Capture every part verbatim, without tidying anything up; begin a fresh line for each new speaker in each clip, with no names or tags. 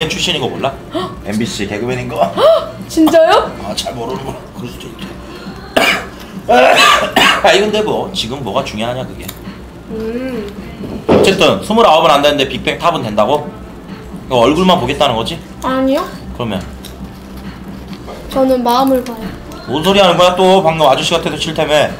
개그맨 출신인 거 몰라? 엠비씨 개그맨인 거.
진짜요?
아, 잘 모르는구나. 그럴 수도 있지. 아니 근데 뭐 지금 뭐가 중요하냐 그게.
음.
어쨌든 스물아홉은 안 되는데 빅뱅 탑은 된다고? 이거 얼굴만 보겠다는 거지?
아니요.
그러면
저는 마음을 봐요.
뭔 소리 하는 거야 또? 방금 아저씨 같아서 싫다며.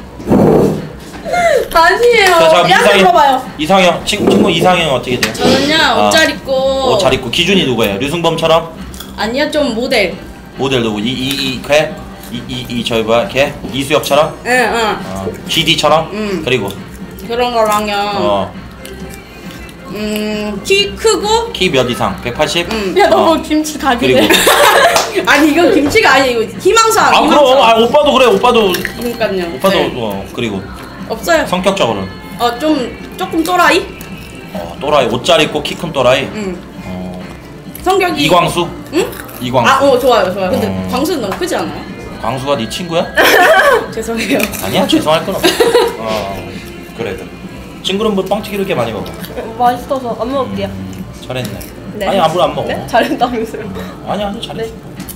아니에요.
자, 자,
얘한테
이상형.
물어봐요.
이상형 친구, 친구 이상형 어떻게 돼요?
저는요
아.
옷 잘 입고.
옷 잘 입고 기준이 누구예요? 류승범처럼?
아니요 좀 모델.
모델 누구? 이이이 걔? 이이이 저기 뭐야 걔? 이수혁처럼?
응응.
어, 지디처럼?
음.
그리고
그런 거랑요.
어,
음키 크고.
키 몇 이상? 백팔십?
음.
야, 너
어.
뭐 김치 가게래?
그리고
아니 이건 김치가 아니에요. 이거 희망사.
아
희망사.
그럼 아 오빠도 그래 오빠도
그러니까요.
오빠도
네.
어 그리고
없어요.
성격적으로는
어 좀 조금 또라이.
어 또라이 옷 잘 입고 키 큰 또라이.
응.
어
성격이.
이광수?
응?
이광수.
아, 어 좋아요, 좋아요. 근데
어.
광수는 너무 크지 않아요?
광수가 네 친구야?
죄송해요.
아니야 죄송할 건 없어. 어 그래 그래. 친구는 뭐 뻥튀기 이렇게 많이 먹어.
맛있어서 안 먹을게요.
음, 잘했네.
네.
아니 아무도 안 먹어.
네? 잘했다면서요?
아니 아니 잘했어.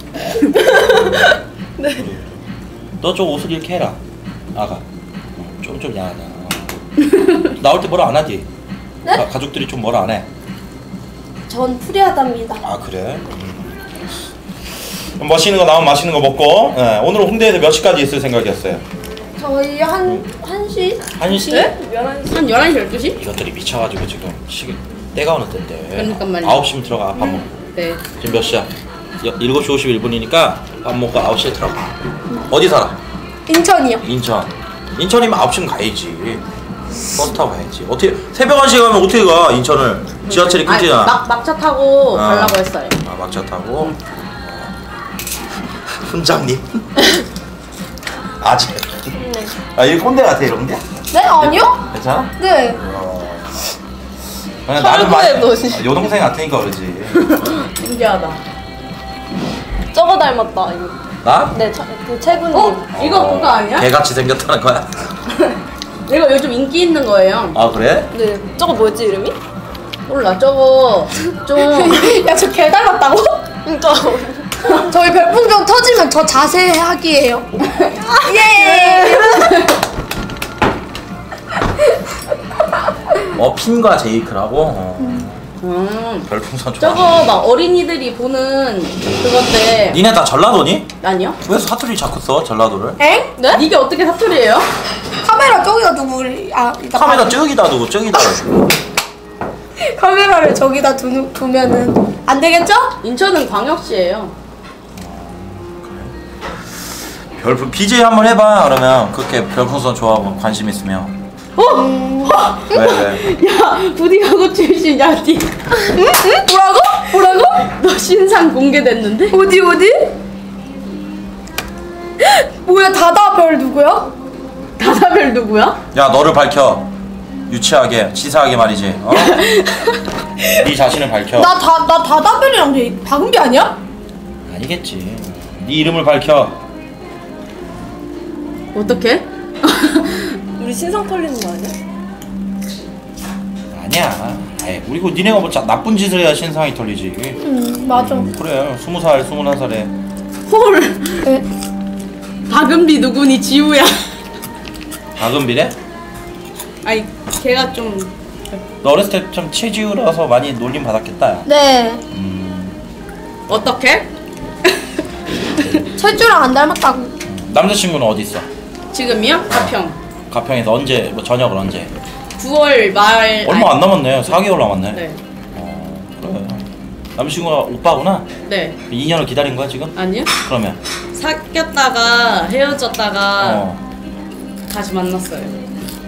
네.
너 좀 옷을 이렇게 해라. 아가. 좀 좀 야하다. 나올 때 뭐라 안 하지?
네?
가, 가족들이 좀 뭐라 안 해?
전 프리하답니다.
아 그래? 음. 멋있는 거 나오면 맛있는 거 먹고. 네, 오늘 홍대에서 몇 시까지 있을 생각이었어요?
저희 한, 한 시?
한 시?
네? 열한 시?
한 열한 시, 열두 시?
이것들이 미쳐가지고 지금 시계 때가 어느 때인데.
그러니까 말이야.
아홉 시면 들어가 밥 먹고.
네.
지금 몇 시야? 여- 일곱 시 오십일 분이니까 밥 먹고 아홉 시에 들어가. 어디 살아?
인천이요.
인천. 인천이면 아홉 시면 가야지. 버스 타고 가야지. 어떻게 새벽 한 시에 가면 어떻게 가? 인천을 지하철이
아니,
끊기잖아.
막 막차 타고
아.
가려고 했어요.
아 막차 타고. 훈장님. 아직.
네.
아 이거 꼰대 같아 이런 게?
네? 아니요?
괜찮아?
네.
어. 그냥 나는 많이
철구에 넣으시-
아, 여동생 같으니까 그러지.
신기하다.
저거 닮았다, 이거.
나?
네, 저, 그 채구님.
어? 이거 그거 아니야?
개같이 생겼다는 거야?
이거 요즘 인기 있는 거예요.
아 그래?
네. 저거 뭐였지, 이름이?
몰라 저거 좀
야, 저 개 닮았다고? 그니까. 저희 별풍경 터지면 더 자세하게 해요. 예!
어 핀과 제이크라고? 어.
음.
별풍선 좋아.
저거 막 어린이들이 보는 그건데.
니네 다 전라도니?
아니요?
왜 사투리 자꾸 써 전라도를?
엥? 네?
이게 어떻게 사투리예요?
카메라 저기다 두고, 우리- 아, 이따
카메라
봐.
저기다 두고 저기다 두고.
카메라를 저기다 두, 두면은 안 되겠죠?
인천은 광역시예요.
별풍 비제이 한번 해봐. 그러면 그렇게 별풍선 좋아하고 관심 있으면.
어?
왜 왜?
야 부디가고 출신 야 니.
응? 응? 뭐라고? 뭐라고?
너 신상 공개됐는데?
어디 어디? 뭐야 다다별 누구야?
다다별 누구야?
야 너를 밝혀. 유치하게 치사하게 말이지. 어? 네 자신을 밝혀.
나 다 나 다다별이랑 돼. 박은비 아니야?
아니겠지. 네 이름을 밝혀.
어떻게?
우리 신상 털리는 거 아니야?
아니야. 아이, 그리고 니네가 뭐 자, 나쁜 짓을 해야 신상이 털리지.
응 맞아.
음, 그래. 스무 살, 스물한 살에.
헐.
네.
박은비 누구니 지우야.
박은비래?
아니 걔가 좀
너 어렸을 때 좀 체지우라서 많이 놀림 받았겠다. 야.
네.
음,
어떻게?
철주랑 안 닮았다고.
음. 남자친구는 어디 있어?
지금이요? 가평.
가평에서 언제 뭐 저녁을 언제?
구월 말.
얼마 안 남았네. 사 개월 남았네.
네.
어, 그래. 남자친구가 오빠구나.
네.
이 년을 기다린 거야 지금?
아니요?
그러면
사귀었다가 헤어졌다가
어,
다시 만났어요.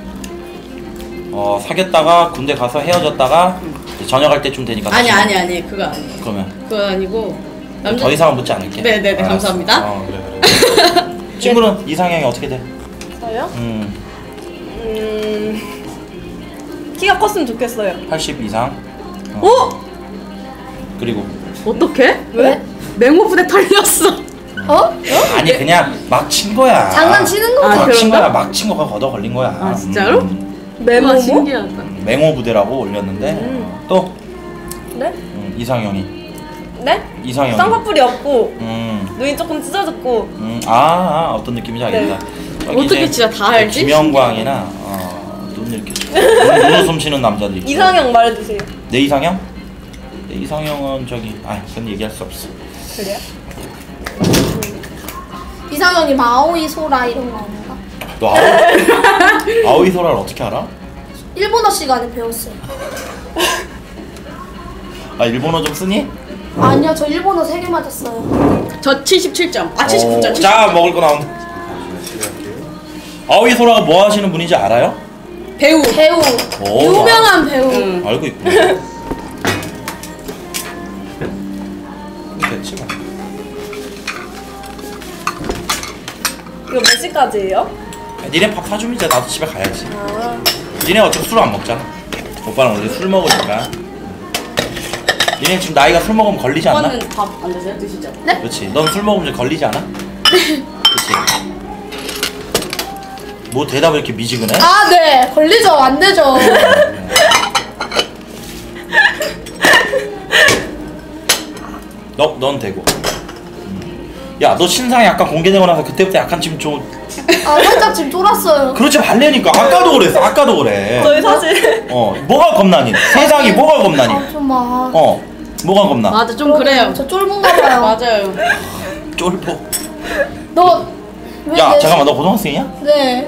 어 사귀었다가 군대 가서 헤어졌다가 이제 전역할 때쯤 되니까
아니
다시
아니 아니 그거 아니에요.
그러면
그거 아니고
더 이상은 묻지 않을게.
네네네,
알았어.
감사합니다.
어 그래 그래. 친구는 이상형이 어떻게 돼?
저요?
음
음 키가 컸으면 좋겠어요.
팔십 이상. 어.
어?
그리고
어떻게?
왜?
맹호부대 털렸어.
어? 어?
아니 그냥 막 친 거야.
장난치는 거지.
아,
막 친
그런가?
거야. 막 친 거가 걷어 걸린 거야.
아, 진짜로?
음.
와
메모모?
신기하다.
맹호 부대라고 올렸는데
음.
또
네?
음, 이상형이
네?
이상형.
쌍꺼풀이 없고
음.
눈이 조금 찢어졌고.
음. 아, 아 어떤 느낌인지 알겠다. 저기
어떻게
이제
진짜 다 알지?
김영광이나 어, 눈 이렇게 눈, 눈 웃음 쉬는 남자들 있죠.
이상형 말해주세요.
내 이상형? 내 이상형은 저기 아 그건 얘기할 수 없어.
그래요?
이상형이 마오이 소라 이런 거 아닌가?
너 아오이, 아오이 소라를 어떻게 알아?
일본어 시간에 배웠어요.
아 일본어 좀 쓰니?
아니요, 저 일본어 세 개 맞았어요.
저 칠십칠 점. 아 칠십구 점.
어, 자 먹을 거 나온다. 아오이 소라가 뭐 하시는 분인지 알아요?
배우.
배우,
오,
유명한 배우.
응.
알고 있구나. 됐지 뭐.
이거 몇 시까지예요?
니네 밥 사주면 이제 나도 집에 가야지.
아.
니네 어차피 술 안 먹잖아. 오빠는 원래 술 먹으니까. 니네 지금 나이가 술 먹으면 걸리지 않나?
오빠는 밥 안 드세요? 드시죠?
네?
그렇지. 넌 술 먹으면 이제 걸리지 않아? 그렇지. 뭐 대답을 이렇게 미지근해?
아, 네. 걸리죠. 안 되죠.
너, 넌 되고. 야, 너 신상이 약간 공개되고 나서 그때부터 약간 지금 좀
아, 살짝 지금 쫄았어요.
그렇지 말래니까 아까도 그랬어. 아까도 그래.
저희 사실
어, 뭐가 겁나니? 세상이 뭐가 겁나니?
아, 좀 막.
어, 뭐가 겁나?
맞아 좀 그래요.
저 쫄본가 봐요.
맞아요.
쫄보.
너. 왜
야,
내-
잠깐만, 너 고등학생이야?
네.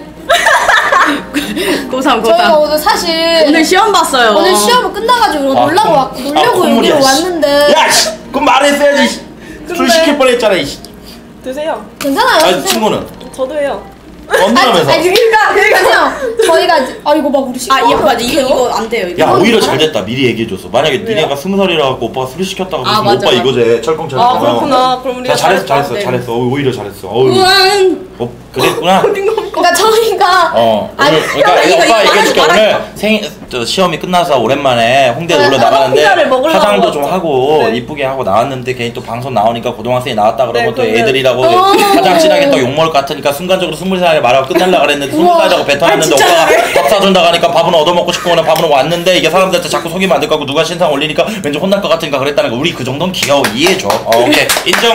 고삼
저희가
고삼.
오늘 사실.
오늘 시험 봤어요.
오늘 시험을 끝나가지고 이거
아,
놀라고
콧-
왔, 놀려고
아, 콧물이야,
여기로
씨.
왔는데.
야, 씨, 그럼 말했어야지. 씨. 술
근데-
시킬 뻔했잖아, 이씨.
드세요.
괜찮아요.
아,
선생님.
친구는
저도 해요.
언니라면서.
아니, 그러니까, 그러니까요. 저희가, 이제- 아, 이거 막 우리
아
시험.
이거 맞아 이거 이거 안 돼요. 이거.
야, 오히려 잘 됐다. 미리 얘기해줬어. 만약에
왜요?
니네가 스무 살이라 갖고 오빠가 술 시켰다고
아,
그러면
맞아,
오빠
맞아.
이거제 철컹철컹.
아 그렇구나. 그럼 우리가
야, 잘했어, 잘했어,
네.
잘했어. 어, 오히려 잘했어. 어우,
우왕.
어, 그랬구나.
그러니까 저희가.
어,
아니,
오늘 그러니까
이거,
오빠
이거
얘기해줄게.
말하지
오늘 생 저 시험이 끝나서 오랜만에 홍대 놀러
네,
나가는데
피자를 먹으려고
화장도 좀
왔죠.
하고
네.
이쁘게 하고 나왔는데 괜히 또 방송 나오니까 고등학생이 나왔다 그러면
네,
또
그러면-
애들이라고
어.
화장 진하게 또 욕먹을 것 같으니까 순간적으로 스물 살에 말하고 끝날라 그랬는데 스물
우와.
살이라고 뱉어놨는데
아, 진짜
오빠가
잘해.
밥 사준다 가니까 밥은 얻어먹고 싶고 그냥 밥은 왔는데 이게 사람들한테 자꾸 속이면 안 될 것 같고 누가 신상 올리니까 왠지 혼날 것 같으니까 그랬다는 거 우리 그 정도는 귀여워 이해해줘. 어, 오케이 인정.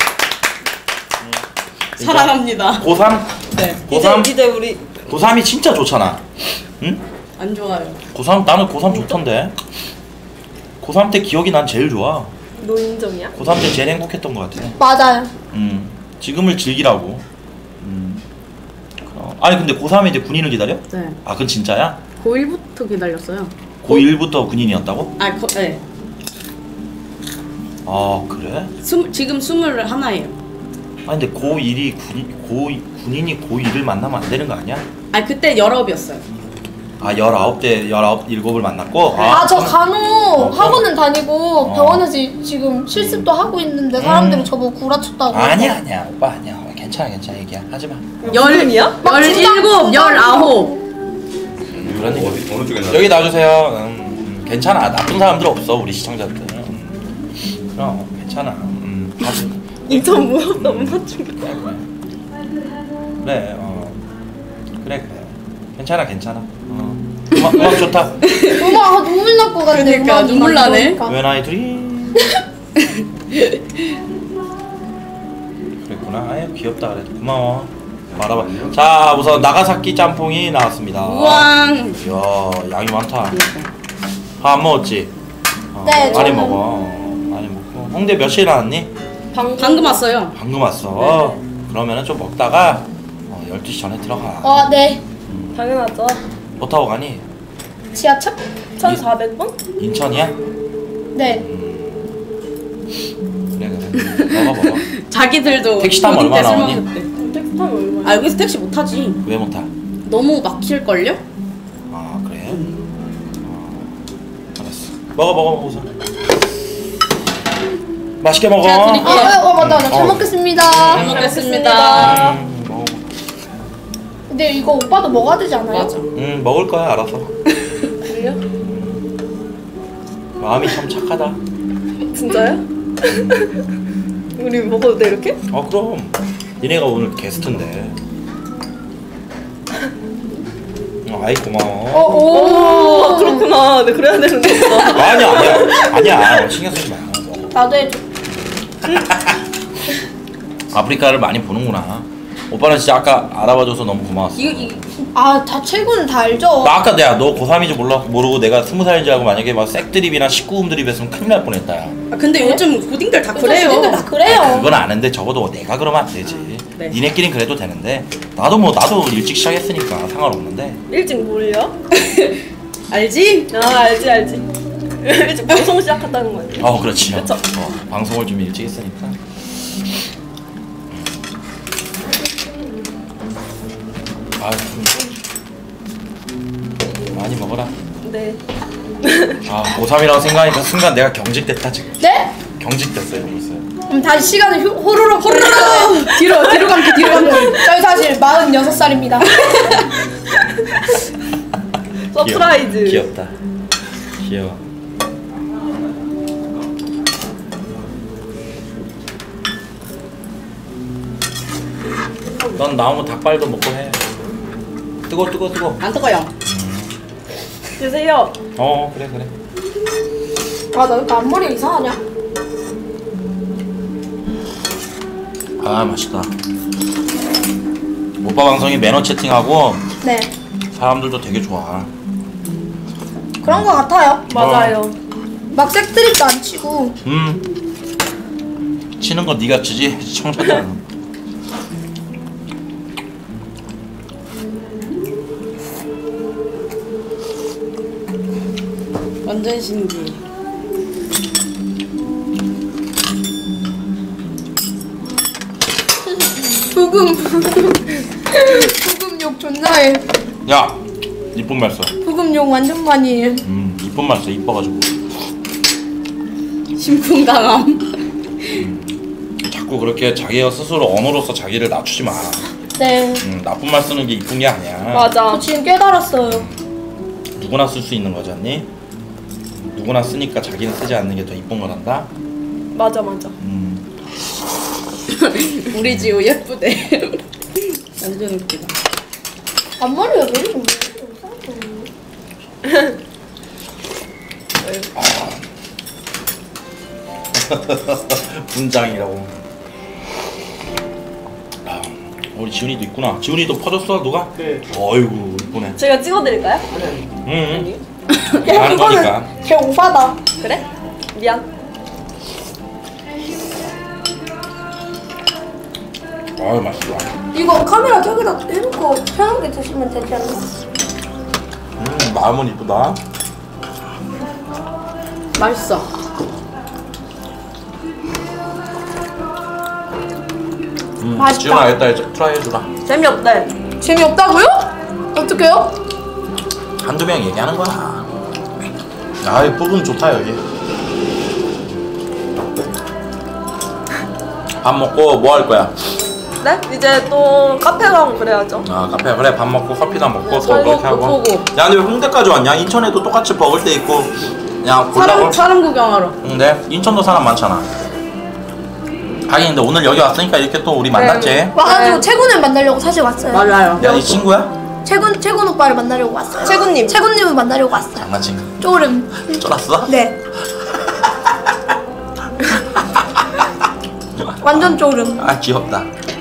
인정.
사랑합니다.
고삼?
네.
고삼?
이제, 이제 우리
고삼이 진짜 좋잖아. 응?
안 좋아요.
고삼 나는 고삼 좋던데. 고삼 때 기억이 난 제일 좋아.
노인정이야?
고삼 때 제일 행복했던 것 같아.
맞아요.
음, 지금을 즐기라고. 음. 어, 아니 근데 고삼에 이제 군인을 기다려?
네.
아 그건 진짜야?
고일부터 기다렸어요.
고일부터 군인이었다고?
아 거, 네.
아 그래?
스물 지금 스물 하나예요.
아니 근데 고일이 군 고 군인이 고일을 만나면 안 되는 거 아니야?
아 그때 열아홉이었어요.
아 열아홉 대 열아홉 일곱을 만났고.
아, 저
그럼-
간호 학원은 다니고
어.
병원에서 지금 실습도 하고 있는데 사람들이
음.
저보고 구라쳤다고.
아니야 아니야 오빠 아니야 괜찮아 괜찮아 얘기야 하지 마.
열이야?
열일곱, 열아홉.
그런 얘기.
어느 쪽에 나?
여기 놔주세요. 음, 음, 괜찮아. 나쁜 사람들 없어 우리 시청자들. 음, 그럼 괜찮아. 음, 다들.
인천 무섭다. 엄마 충격.
그래 그래. 그래 어 그래 그래. 괜찮아 괜찮아. 어. 음악 음악 좋다.
음악 아, 눈물 날 것 같네.
그러니까,
음악이
눈물
막
나네.
이러니까.
When I dream. 그랬구나. 아유 귀엽다 그래. 고마워. 말아봐. 자 우선 나가사키 짬뽕이 나왔습니다.
우왕.
이야 양이 많다. 밥 안 먹었지? 어,
네,
많이
저는-
먹어. 어, 많이 먹고. 홍대 몇 시에 나왔니?
방, 방금 왔어요.
방금 왔어. 그러면은 좀 먹다가 어, 열두 시 전에 들어가.
어, 네.
당연하죠.
뭐 타고 가니?
지하철?
천사백 번?
인천이야?
네.
그래 그래. 먹어 먹어.
자기들도
택시 타면
고딩 때
얼마
술
나오니?
먹었대.
택시 타면 얼마야?
아 여기서 택시 못 타지.
왜 못 타?
너무 막힐걸요?
아 그래? 어, 알았어. 먹어 먹어 먹어 우선. 맛있게 먹어.
제가
어,
드릴게요.
어, 어 맞다. 잘
어.
먹겠습니다.
잘 먹겠습니다.
음, 먹어.
근데 이거 오빠도 먹어야 되지 않아요?
맞아.
음 먹을 거야 알아서.
그래요?
마음이 참 착하다.
진짜요? 우리 먹어도 돼 이렇게?
어 그럼. 니네가 오늘 게스트인데. 어, 아이 고마워.
어, 오.
오 그렇구나. 네 그래야 되는데.
아니야 아니야 아니야 신경 쓰지 마.
나도 해줘.
아프리카를 많이 보는구나. 오빠는 진짜 아까 알아봐줘서 너무 고마웠어.
이거 이
아, 다 최고는 다 알죠.
나 아까 내가 너 고삼인지 몰라 모르고 내가 스무 살인 줄 알고 만약에 막 색드립이나 십구 금 드립 했으면 큰일 날 뻔했다. 야.
아, 근데 요즘 고딩들 다 그래요.
근데 다 그래요.
아니, 그건 아는데 적어도 내가 그러면 안 되지.
네.
니네끼린 그래도 되는데 나도 뭐 나도 일찍 시작했으니까 상관없는데.
일찍 뭘요?
알지?
아 알지 알지. 일찍 방송 시작했다는 거 아니에요?
어 그렇지.
그쵸.
어, 방송을 좀 일찍 했으니까. 아 많이 먹어라.
네.
아 고삼이라고 생각하니까 순간 내가 경직됐다 지금.
네?
경직됐어요 벌써.
그럼 다시 시간을 휴- 호로록 호로록
뒤로 뒤로 감기 뒤로 감기.
저희 사실 마흔여섯 살입니다.
서프라이즈.
귀엽, 귀엽다. 귀여워. 넌 나오면 닭발도 먹고 해. 뜨거 뜨거 뜨거.
안 뜨거요.
드세요.
어 그래 그래.
아, 나 왜 이렇게 앞머리 이상하냐?
아 맛있다. 오빠 방송이 매너 채팅하고
네.
사람들도 되게 좋아.
그런 거 같아요.
맞아요.
막 색드립도 안 치고.
음. 치는 거 네가 치지 시청자잖아.
완전 신기.
부금. 부금욕 존나 해.
야 이쁜 말 써.
부금욕 완전 많이 해.
음 이쁜 말 써. 이뻐가지고.
심쿵당함.
자꾸 그렇게 자기 스스로 언어로서 자기를 낮추지 마.
네.
음, 나쁜 말 쓰는 게 이쁜 게 아니야.
맞아.
저 지금 깨달았어요.
누구나 쓸 수 있는 거지 않니? 누구나 쓰니까 자기는 쓰지 않는 게 더 이쁜 거란다.
맞아 맞아.
음.
우리 지우 예쁘대. 완전 웃기다.
앞머리가 왜 이렇게 이상해?
분장이라고. 아, 우리 지훈이도 있구나. 지훈이도 퍼졌어 누가?
네.
어이구 이쁘네.
제가 찍어드릴까요?
응.
야,
하는 거니까.
그거는 걔 오바다.
그래? 미안.
아유 맛있다.
이거 카메라 저기다 해놓고 편하게 드시면 되지 않나?
음 마음은 이쁘다.
맛있어.
음,
맛있다.
지훈아 이따 이제 트라이 해주라.
재미없대.
재미없다고요? 어떡해요?
한두 명 얘기하는 거야. 아이 부분 좋다 여기. 밥 먹고 뭐 할 거야?
네? 이제 또 카페 가고 그래야죠.
아 카페 그래 밥 먹고 커피나 먹고 또
설거
그렇게 하고.
보고.
야 근데 왜 홍대까지 왔냐? 인천에도 똑같이 먹을 때 있고 그냥
사람
골라고.
사람 구경하러.
근데 인천도 사람 많잖아. 하긴 근데 오늘 여기 왔으니까 이렇게 또 우리 만났지.
와가지고
네.
채군을 만나려고 사실 왔어요.
맞아요.
야 이 친구야?
채군 채군 오빠를 만나려고 왔어요.
채군님.
채군님을 만나려고 왔어요.
장난친가?
쪼름.
쫄았어?
네. 완전 쪼름.
아 귀엽다.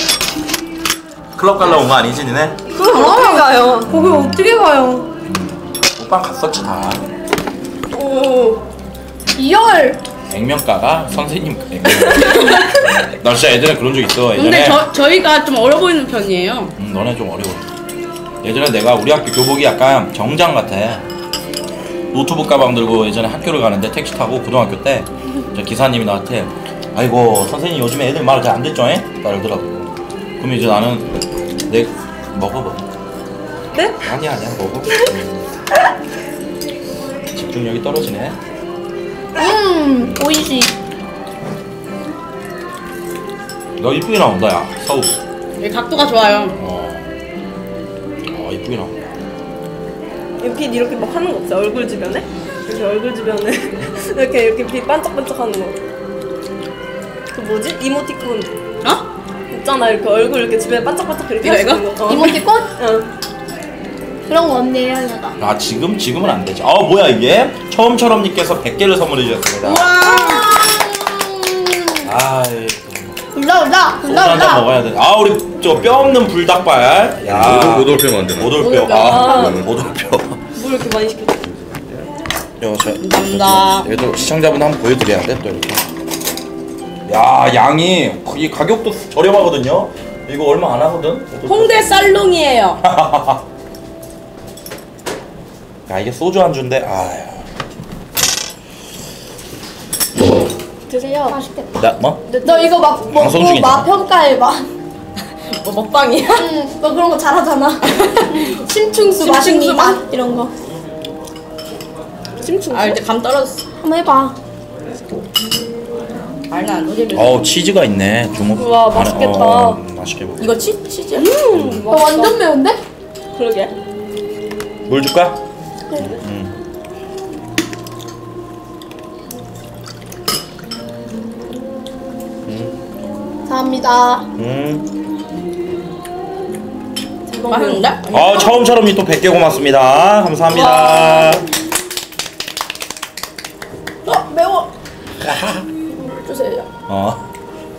클럽 갈라 온 거 아니지 니네?
그럼 어떻게 가요?
거기 어떻게 가요?
오빠 갔었지 다.
오.
이열.
액면가가 선생님 액면. 나 진짜 예전에 그런 적 있어. 예전에.
근데 저 저희가 좀 어려 보이는 편이에요.
음, 너네 좀 어려워. 예전에 내가 우리 학교 교복이 약간 정장 같아. 노트북 가방 들고 예전에 학교를 가는데 택시 타고 고등학교 때 저 기사님이 나한테 아이고 선생님 요즘에 애들 말 잘 안 듣죠? 에? 이러더라고. 그럼 이제 나는 내 먹어봐.
네?
아니야 아니야 먹어. 집중력이 떨어지네.
음, 오이시.
너 이쁘게 나온다 야 서우.
이 각도가 좋아요.
어. 어 이쁘게 나온다.
빛 이렇게 막 하는 거 없어요? 얼굴 주변에? 이렇게 얼굴 주변에 이렇게 이렇게 빛 반짝반짝 하는 거. 그 뭐지? 이모티콘
어?
있잖아. 이렇게 얼굴 이렇게 주변에 반짝반짝 이렇게
이거,
하시는 거. 어.
이모티콘?
응.
그런 거 언니 해야겠다.
아 지금 지금은 안 되지. 아 뭐야 이게? 처음처럼님께서 백 개를 선물해 주셨습니다.
와.
아이.
올라 올라
소주
올라
한잔
올라.
먹어야 돼. 아 우리 저 뼈 없는 불닭발. 야.
오돌뼈 만드는.
오돌뼈. 아, 오돌뼈.
뭘 이렇게 많이 시켰어?
요, 저,
감사합니다.
얘도 시청자분 한번 보여드려야 돼, 또 이렇게. 야, 양이, 이 가격도 저렴하거든요? 이거 얼마 안 하거든?
홍대 쌀롱이에요.
야, 이게 소주 안주인데, 아유.
드세요.
맛있겠다.
나, 뭐?
너 이거 막
방송
먹고
중이잖아.
맛 평가해봐.
뭐 먹방이야?
응, 너 그런 거 잘하잖아. 심충수 맛있니 맛 이런 거.
심충수?
아 이제 감 떨어졌어.
한번 해봐.
알나 안 오지?
어우, 치즈가 있네. 주먹.
우와,
안에,
맛있겠다.
어, 맛있게 먹어.
이거 치 치즈?
음,
너 완전 매운데?
그러게.
물 줄까?
감사합니다.
음.
맛있는데?
아, 처음처럼 또 백 개 고맙습니다. 감사합니다.
어 매워. 주세요.
어.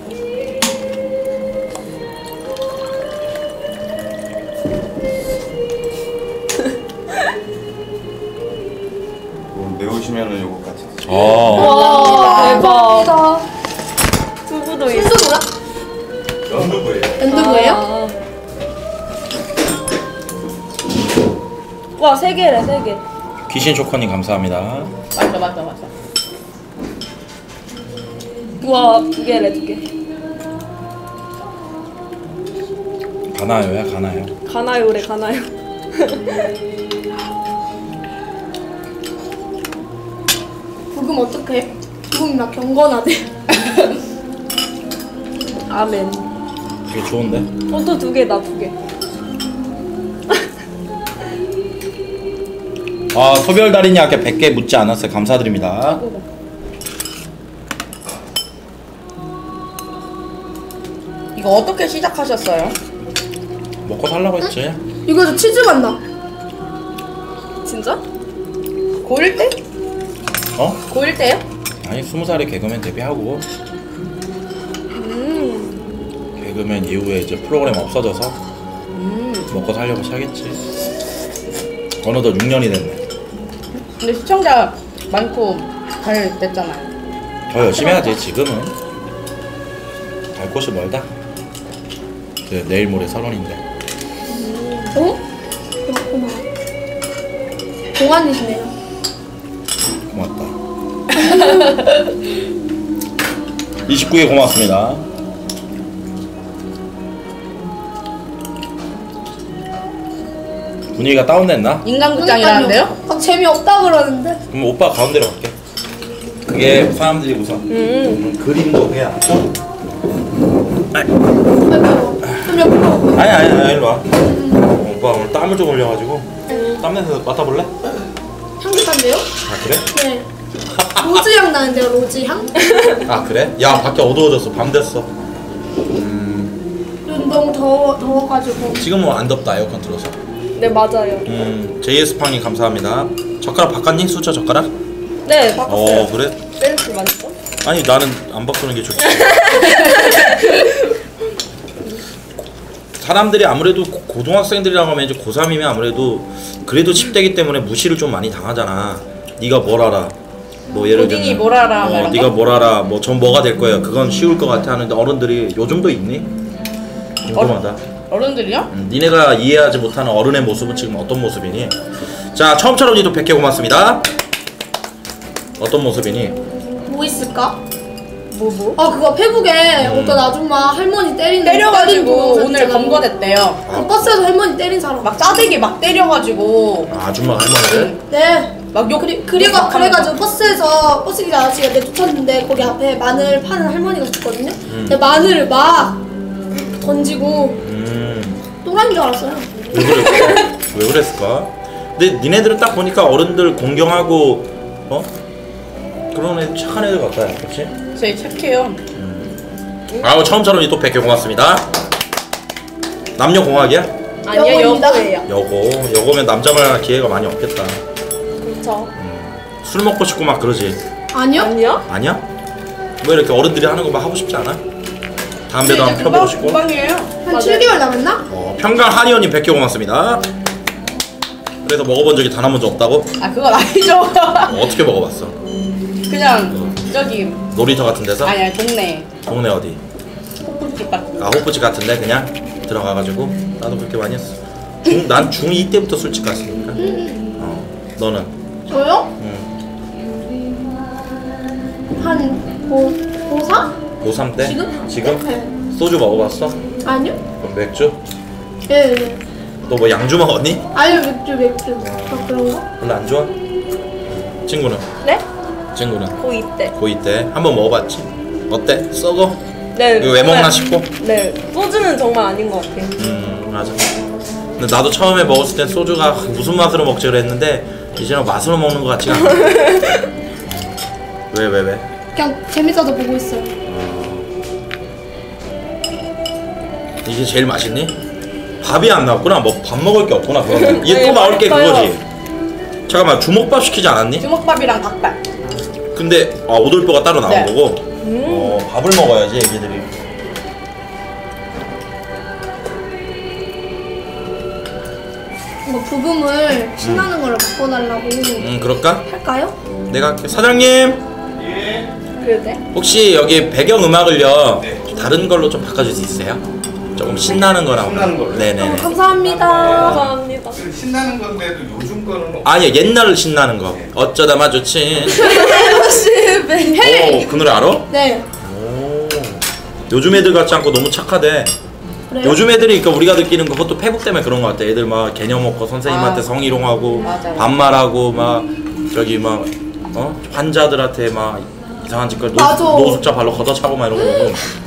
매우시면은 요거 같이.
어.
와
대박.
대박.
두부도 있어.
순수구나?
연두부예요.
연두부예요?
아. 와, 세 개래, 세 개.
귀신 초코님 감사합니다.
맞아 맞아 맞아.
우와, 두 개래, 두 개.
가나요야, 가나요.
가나요래, 가나요.
부금 어떡해? 부금이 막 경건하대.
아멘.
되게 좋은데?
어, 또 두 개, 나 두 개.
아, 소별달인이 아까 백 개 묻지 않았어요. 감사드립니다.
이거 어떻게 시작하셨어요?
먹고 살라고 했지.
이거도 치즈 맛 나.
진짜?
고일 때?
어?
고일 때요?
아니, 스무 살에 개그맨 데뷔하고
음.
개그맨 이후에 이제 프로그램 없어져서
음.
먹고 살려고 시작했지. 어느덧 육 년이 됐네.
근데 시청자 많고 잘 됐잖아요.
더 열심히 해야지. 지금은 갈 곳이 멀다. 그 내일 모레 설원인데.
어? 고맙구나. 동안이시네요.
고맙다. 이십구 개 고맙습니다. 분위기가 다운됐나?
인간극장이라는데요?
아, 재미없다 그러는데.
그럼 오빠 가운데로 갈게. 그게 사람들이 우선
음.
그림도 해야.
좀 옆으로.
아니 아니 아니 일로 와. 어, 오빠 오늘 땀을 좀 흘려가지고 땀 냄새 맡아볼래?
향긋한데요?
아 그래?
네. 로즈 향 나는데요, 로즈 향?
아 그래? 야 밖에 어두워졌어. 밤 됐어.
요즘 너무 더워, 더워가지고.
지금은 안 덥다. 에어컨 틀어서.
네, 맞아요.
음 제이에스팡님 감사합니다. 젓가락 바꿨니? 수저 젓가락?
네, 바꿨어요.
어 그래?
댄스 맞죠?
아니 나는 안 바꾸는 게 좋지. 사람들이 아무래도 고- 고등학생들이라고 하면 이제 고삼이면 아무래도 그래도 십 대기 때문에 무시를 좀 많이 당하잖아. 네가 뭘 알아? 뭐 예를
고딩이
들면
뭘 알아, 뭐
어,
이런
네가
거?
뭘 알아? 뭐 전 뭐가 될 거야? 그건 쉬울 것 같아 하는데 어른들이 요즘도 있니? 궁금하다.
어른들이요?
음, 니네가 이해하지 못하는 어른의 모습은 지금 어떤 모습이니? 자 처음처럼 니도 백 개 고맙습니다. 어떤 모습이니?
뭐 있을까?
뭐, 뭐?
아, 그거 페북에
음.
어떤 아줌마 할머니 때리는
때려가지고
때린 동영상
오늘
있잖아.
검거됐대요.
그 버스에서 할머니 때린 사람.
막 짜대기 막 때려가지고
아, 아줌마 할머니를?
네.
막 욕.
그리, 그리고 그래가지고 버스에서 버스 기사 아저씨가 내쫓았는데 거기 앞에 마늘 파는 할머니가 있었거든요. 근데 마늘을 막 던지고
음...
또라이인 줄 알았어요.
왜 그랬을까? 왜 그랬을까? 근데 니네들은 딱 보니까 어른들 공경하고 어? 그런 애 착한 애들 같아요. 그렇지?
저희 착해요.
아우 처음처럼 또 백 개 고맙습니다. 남녀 공학이야?
아니요,
여고입니다.
여고예요.
여고. 여고면 남자 만날 기회가 많이 없겠다.
그쵸.
술 먹고 싶고 막 그러지.
아니요?
아니요?
아니야? 뭐 이렇게 어른들이 하는 거 막 하고 싶지 않아? 담배도 한번 펴보고 싶고.
금방이에요.
한 칠 개월 남았나?
어, 평강 한의원님 백 개 고맙습니다. 그래서 먹어본 적이 단 한 번도 없다고?
아 그건 아니죠.
어, 어떻게 먹어봤어?
그냥 저기
놀이터 같은 데서?
아니 아니 동네
동네 어디?
호프집 같은.
아 호프집 같은데 그냥 들어가가지고 나도 그렇게 많이 했어. 중, 난 중이 때부터 술집 갔으니까. 어, 너는?
저요?
응.
한 고, 고사?
고삼 때?
지금?
지금?
네.
소주 먹어봤어?
아니요?
그럼 맥주?
예, 예.
너 뭐 양주 먹었니?
아니요, 맥주, 맥주. 아, 그런 거?
별로 안 좋아? 친구는?
네?
친구는?
고이 때.
고이 때 한 번 먹어봤지? 어때? 썩어?
네.
이거 왜
정말-
먹나 싶고?
네. 소주는 정말 아닌 것 같아요.
음 맞아. 근데 나도 처음에 먹었을 땐 소주가 무슨 맛으로 먹지 그랬는데 이제는 맛으로 먹는 것 같지가 않아. 왜 왜 왜?
그냥 재밌어서 보고 있어요.
이게 제일 맛있니? 밥이 안 나왔구나. 뭐 밥 먹을 게 없구나. 그러면 이게 또
네,
나올 게
맛있어요.
그거지. 잠깐만 주먹밥 시키지 않았니?
주먹밥이랑 닭발.
근데 아 오돌뼈가 따로 나온
네.
거고. 어 밥을 먹어야지 애기들이.
뭐 부금을 신나는 걸로 바꿔달라고
음 그럴까?
할까요?
내가 할게. 사장님
그래도 돼?
혹시 여기 배경 음악을요 다른 걸로 좀 바꿔줄 수 있어요? 조금 신나는 거랑.
신나는 걸로?
어,
네네네.
감사합니다.
감사합니다.
신나는 건데도 요즘 거는 없-
아니 옛날 신나는 거. 어쩌다 마주친.
헤이!
오, 그 노래 알아?
네.
오. 요즘 애들 같지 않고 너무 착하대.
그래요?
요즘 애들이 그러니까 우리가 느끼는 거 그것도 페북 때문에 그런 거 같아. 애들 막 개념 없고 선생님한테
아.
성희롱하고
맞아요.
반말하고 막 저기 막 어? 환자들한테 막 이상한 짓거리
맞아.
노숙자 발로 걷어차고 막 이런 거 보고